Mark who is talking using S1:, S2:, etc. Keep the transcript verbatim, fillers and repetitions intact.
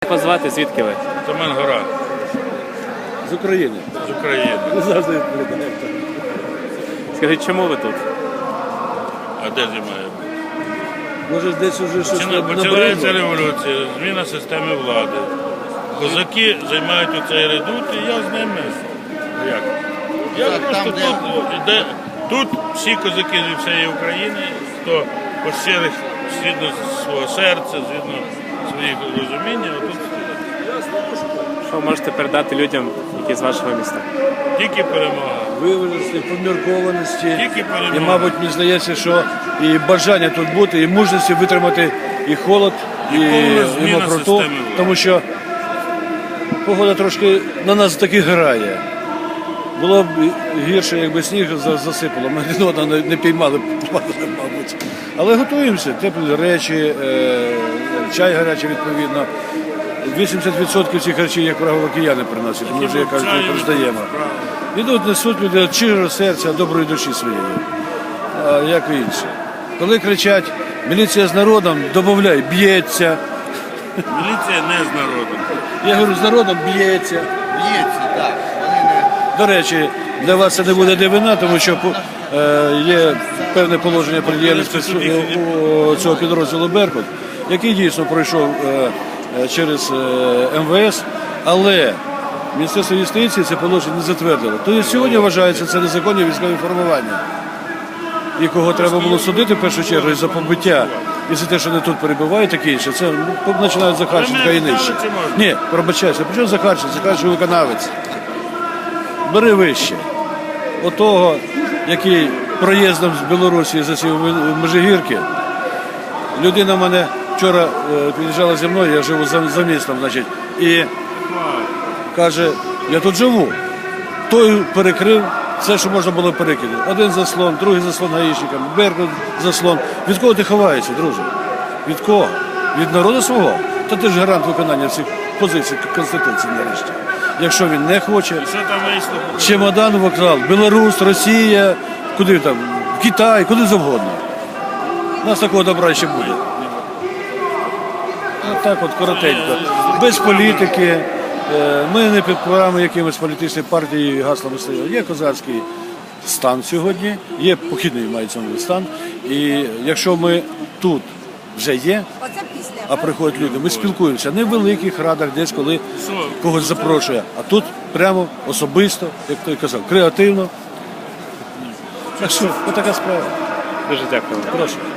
S1: Позвати, звідки ви?
S2: Семен Гора.
S3: З України.
S2: З України.
S3: Завжди відповідає.
S1: Скажіть, чому ви тут?
S2: А де зимає?
S3: Може десь уже щось
S2: Починається
S3: набридло?
S2: революція, зміна системи влади. Козаки займають оцей редут, і я з ними. Як? Я
S4: Так,
S2: просто
S4: там, де-
S2: тут, де, тут всі козаки зі всієї України, хто по щирих, згідно свого серця, згідно своїх розуміння, тут
S1: Що ви можете передати людям, які з вашого міста?
S2: тільки перемога.
S3: Виваженості, поміркованості.
S2: Тільки перемога.
S3: І, мабуть, мені здається, що і бажання тут бути, і мужності витримати і холод, і,
S2: повна
S3: і
S2: зміна
S3: мокроту.
S2: системи влади.
S3: Тому що погода трошки на нас таки грає. Було б гірше, якби сніг за- засипало. Ми один одного не, не піймали, падали, мабуть. Але готуємося, теплі речі, е, чай гарячий відповідно. вісімдесят відсотків цих речей, як правило, кияни приносять, ми вже, як кажуть, не роздаємо. Ідуть, несуть люди від щирого серця, доброї душі своєї, а як і інші. Коли кричать «міліція з народом», додай, б'ється.
S2: Міліція не з народом.
S3: Я говорю, з народом б'ється.
S4: Б'ється, так. Вони не...
S3: До речі, для вас це не буде дивина, тому що е, є певне положення про діяльність у цього підрозділу «Беркут», який дійсно пройшов е, е, через е, ем ве ес, але Міністерство юстиції це положення не затвердило. Тобто сьогодні вважається це незаконні військові формування. І кого треба було судити в першу чергу і за побиття, і за те, що вони тут перебувають, таке інше, це ну, починають Захарченка і нижче. Ні, пробачайся, при чому Захарченко? Захарченко виконавець. Бери вище. Отого, який проїздом з Білорусі засів в Межигірки. Людина в мене вчора е, під'їжджала зі мною, я живу за, за містом, значить, і каже, я тут живу. Той перекрив все, що можна було перекинути. Один заслон, другий заслон гаїшникам, Беркут заслон. Від кого ти ховаєшся, друже? Від кого? Від народу свого? Та ти ж гарант виконання всіх позицій Конституції нарешті. Якщо він не хоче,
S2: Що там вийшло?
S3: чемодан вокзал, Білорусь, Росія, куди там, Китай, куди завгодно. У нас такого добра ще буде. Отак от коротенько. Без політики. Е, Ми не підпираємо якимось політичними партіями і гаслами стоїмо. Є козацький стан сьогодні, є похідний мається на увазі стан. І якщо ми тут вже є, а приходять люди, ми спілкуємося не в великих радах, десь коли когось запрошує, а тут прямо особисто, як той казав, креативно. Так що, отака справа.
S1: Дуже дякую.
S3: Прошу.